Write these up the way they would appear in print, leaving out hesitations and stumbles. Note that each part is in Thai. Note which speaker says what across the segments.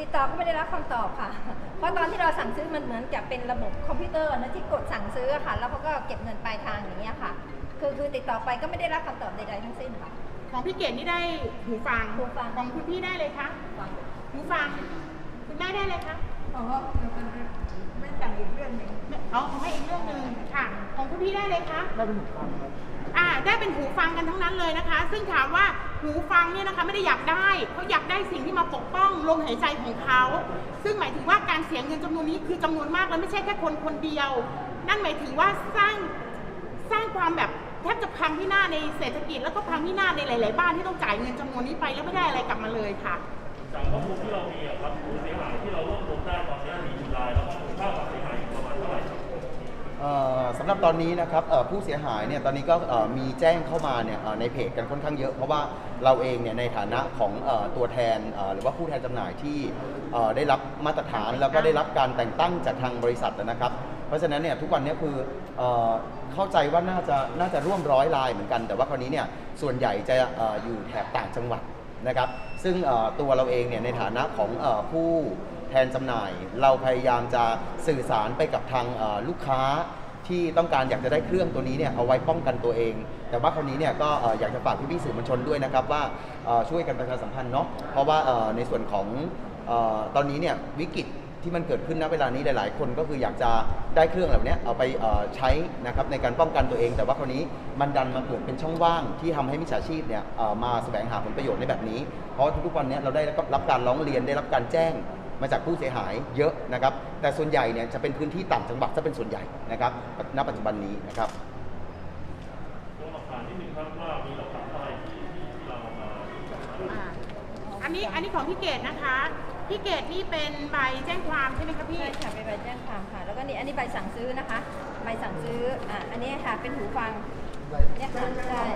Speaker 1: ดต่อก็ไม่ได้รับคำตอบค่ะเพราะตอนที่เราสั่งซื้อมันเหมือนกับเป็นระบบคอมพิวเตอร์นะที่กดสั่งซื้อค่ะแล้วเขาก็เก็บเงินปลายทางอย่างเงี้ยค่ะคือติดต่อไปก็ไม่ได้รับคำตอบใดๆทั้งสิ้นค่ะ
Speaker 2: ของพี่เกดนี่ได้หูฟังของคุณพี่ได้เลยคะหูฟังคุณแม่ได้เลยคะ
Speaker 3: อ๋อไม่สั่งอีกเรื่องหนึ่ง
Speaker 2: อ๋อให้อีกเรื่องหนึ่งค่ะของคุณพี่ได้เลยคะ
Speaker 3: ได้เป็นหูฟัง
Speaker 2: ได้เป็นหูฟังกันทั้งนั้นเลยนะคะ ซึ่งถามว่าหูฟังเนี่ยนะคะไม่ได้อยากได้เขาอยากได้สิ่งที่มาปกป้องลมหายใจของเขาซึ่งหมายถึงว่าการเสียเงินจำนวนนี้คือจำนวนมากแล้วไม่ใช่แค่คนเดียวนั่นหมายถึงว่าสร้างความแบบแทบจะพังพินาศในเศรษฐกิจแล้วก็พังพินาศในหลายๆบ้านที่ต้องจ่ายเงินจำนวนนี้ไปแล้วไม่ได้อะไรกลับมาเลยค่ะ
Speaker 4: จากข้อมูลที่เรามีครับผู้เสียหายที่เรารวบรวมได้ตอนนี้มีอยู่รายแล้วก็มูลค่าความเสียหายอยู่ประมาณเท่าไหร่ครับ
Speaker 5: สำหรับตอนนี้นะครับผู้เสียหายเนี่ยตอนนี้ก็มีแจ้งเข้ามาเนี่ยในเพจกันค่อนข้างเยอะเพราะว่าเราเองเนี่ยในฐานะของตัวแทนหรือว่าผู้แทนจำหน่ายที่ได้รับมาตรฐานแล้วก็ได้รับการแต่งตั้งจากทางบริษัทนะครับเพราะฉะนั้นเนี่ยทุกวันนี้คือเข้าใจว่าน่าจะร่วม100 รายเหมือนกันแต่ว่าคราวนี้เนี่ยส่วนใหญ่จะอยู่แถบต่างจังหวัดนะครับซึ่งตัวเราเองเนี่ยในฐานะของผู้แทนจำหน่ายเราพยายามจะสื่อสารไปกับทางลูกค้าที่ต้องการอยากจะได้เครื่องตัวนี้เนี่ยเอาไว้ป้องกันตัวเองแต่ว่าคราวนี้เนี่ยก็อยากจะฝากพี่ๆสื่อมวลชนด้วยนะครับว่าช่วยกันประชาสัมพันธ์เนาะเพราะว่าในส่วนของตอนนี้เนี่ยวิกฤตที่มันเกิดขึ้นณเวลานี้หลายๆคนก็คืออยากจะได้เครื่องเหล่านี้เอาไปใช้นะครับในการป้องกันตัวเองแต่ว่าคราวนี้มันดันมาเกิดเป็นช่องว่างที่ทำให้มิจฉาชีพเนี่ยมาแสวงหาผลประโยชน์ในแบบนี้เพราะทุกๆวันนี้เราได้รับการร้องเรียนได้รับการแจ้งมาจากผู้เสียหายเยอะนะครับแต่ส่วนใหญ่เนี่ยจะเป็นพื้นที่ต่างจังหวัดจะเป็นส่วนใหญ่นะครับณปัจจุบันนี้นะครับ
Speaker 4: ตัวหลักฐานที่หนึ่งครับว่ามีหลักฐานอะไรที่เรามา
Speaker 2: อันนี้ของพี่เกดนะคะพี่เกดนี่เป็นใบแจ้งความใช่ไหมคะพี่
Speaker 1: ใช่ค่ะเป็นใบแจ้งความค่ะแล้วก็นี่อันนี้ใบสั่งซื้อนะคะใบสั่งซื้ออันนี้ค่ะเป็นหูฟังเนี่ยค่ะใช่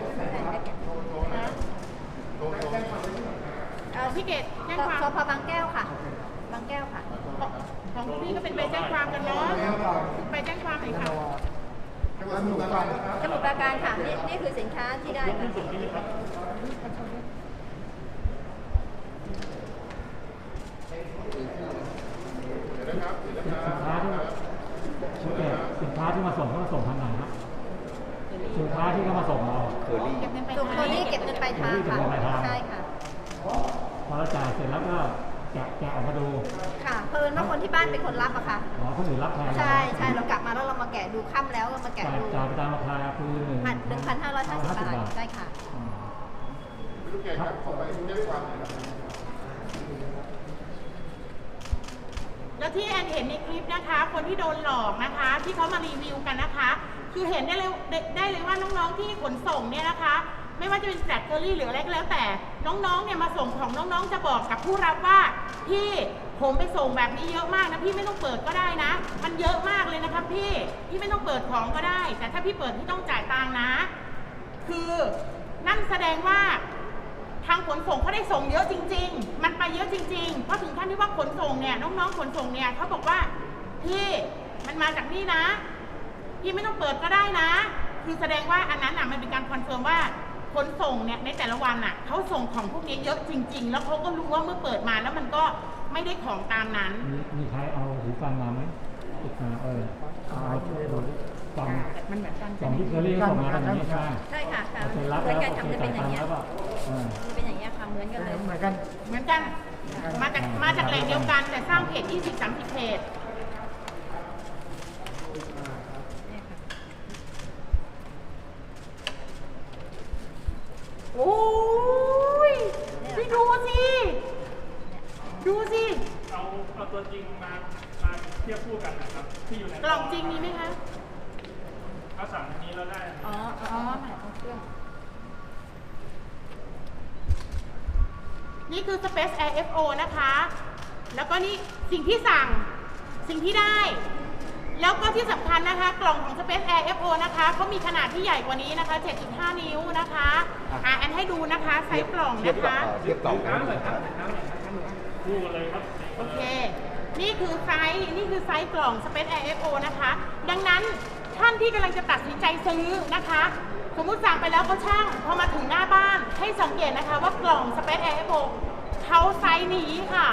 Speaker 2: พี่เกดแจ้งความ
Speaker 1: สพบางแก้วค่ะบางแก้วค่ะ
Speaker 2: ของพี่ก็เป็นใบแจ้งความกันเนาะใบแจ้งความไหนคะ
Speaker 1: สมุทรปราการค่ะนี่คือสินค้าที่ได้ค่ะ
Speaker 6: สินค้าที่มาส่งเขามาส่งทางไหนครับสินค้าที่เขามาส่งเรา
Speaker 5: เคอรี่
Speaker 1: ตัวนี้เก็บเงินปลายทางค่ะใช่ค่ะ
Speaker 6: พอเราจ่ายเสร็จแล้วก็แกะออกมาดู
Speaker 1: ค่ะเพิ่นว่าคนที่บ้านเป็นคนรับอะค่ะ
Speaker 6: อ๋อคนอื่นรับแทน
Speaker 1: ใช่เรากลับมาแล้วเรามาแกะดูค่ำแล้วเรามาแกะดู
Speaker 6: จ่ายไปตามราคาคือ
Speaker 1: 1,550 บาทได้ค่ะ
Speaker 2: แล้วที่แอนเห็นในคลิปนะคะคนที่โดนหลอกนะคะที่เขามารีวิวกันนะคะคือเห็นได้เลยว่าน้องๆที่ขนส่งเนี่ยนะคะไม่ว่าจะเป็นแบล็คเบอร์รี่หรืออะไรก็แล้วแต่น้องๆเนี่ยมาส่งของน้องๆจะบอกกับผู้รับว่าพี่ผมไปส่งแบบนี้เยอะมากนะพี่ไม่ต้องเปิดก็ได้นะมันเยอะมากเลยนะคะพี่ไม่ต้องเปิดของก็ได้แต่ถ้าพี่เปิดพี่ต้องจ่ายตังค์นะคือนั่นแสดงว่าทางขนส่งเขาได้ส่งเยอะจริงๆมันไปเยอะจริงๆเพราะถึงขั้นที่ว่าขนส่งเนี่ยน้องๆขนส่งเนี่ยเขาบอกว่าพี่มันมาจากนี่นะพี่ไม่ต้องเปิดก็ได้นะคือแสดงว่าอันนั้นมันเป็นการคอนเฟิร์มว่าขนส่งเนี่ยในแต่ละวันเขาส่งของพวกนี้เยอะจริงๆแล้วเขาก็รู้ว่าเมื่อเปิดมาแล้วมันก็ไม่ได้ของตามนั้น
Speaker 6: มีใครเอาหูฟังมาไหมติดมาเอาช่วยดูฟัง
Speaker 2: มันเหมือนกัน
Speaker 6: สองที่เคอรี่ส่งมาแบบนี้ใช่ไหม
Speaker 1: ใช่ค่ะ
Speaker 6: เหมือน
Speaker 1: กันทำจะเป็นอย่างนี้จะเป็นอย่างนี้ค่ะเหมือนกันเลย
Speaker 2: เหมือนกันมาจากแหล่งเดียวกันแต่สร้างเพจ20-30 เพจโอ้ยพี่ดูสิ
Speaker 4: เอาตัวจริงมาเทียบคู่กันนะครับที่อยู่ใน
Speaker 2: กล่องจริงมีไหมคะ
Speaker 4: เขาสั่งอันนี้แล้วได้
Speaker 2: หมายของเครื่องนี่คือ Space Air FO นะคะแล้วก็นี่สิ่งที่สั่งสิ่งที่ได้แล้วก็ที่สำคัญนะคะกล่องของ Space Air FO นะคะเขามีขนาดที่ใหญ่กว่านี้นะคะ 7.5 นิ้วนะคะแอนให้ดูนะคะไซส์กล่องนะคะ
Speaker 5: เทียบกล่อง
Speaker 4: คู่เลยครับ
Speaker 2: โอเคนี่คือไซส์กล่อง Space Air FO นะคะดังนั้นท่านที่กำลังจะตัดสินใจซื้อนะคะสมมุติสั่งไปแล้วก็ช่างพอมาถึงหน้าบ้านให้สังเกตนะคะว่ากล่อง Space Air FO เขาไซส์นี้ค่ะ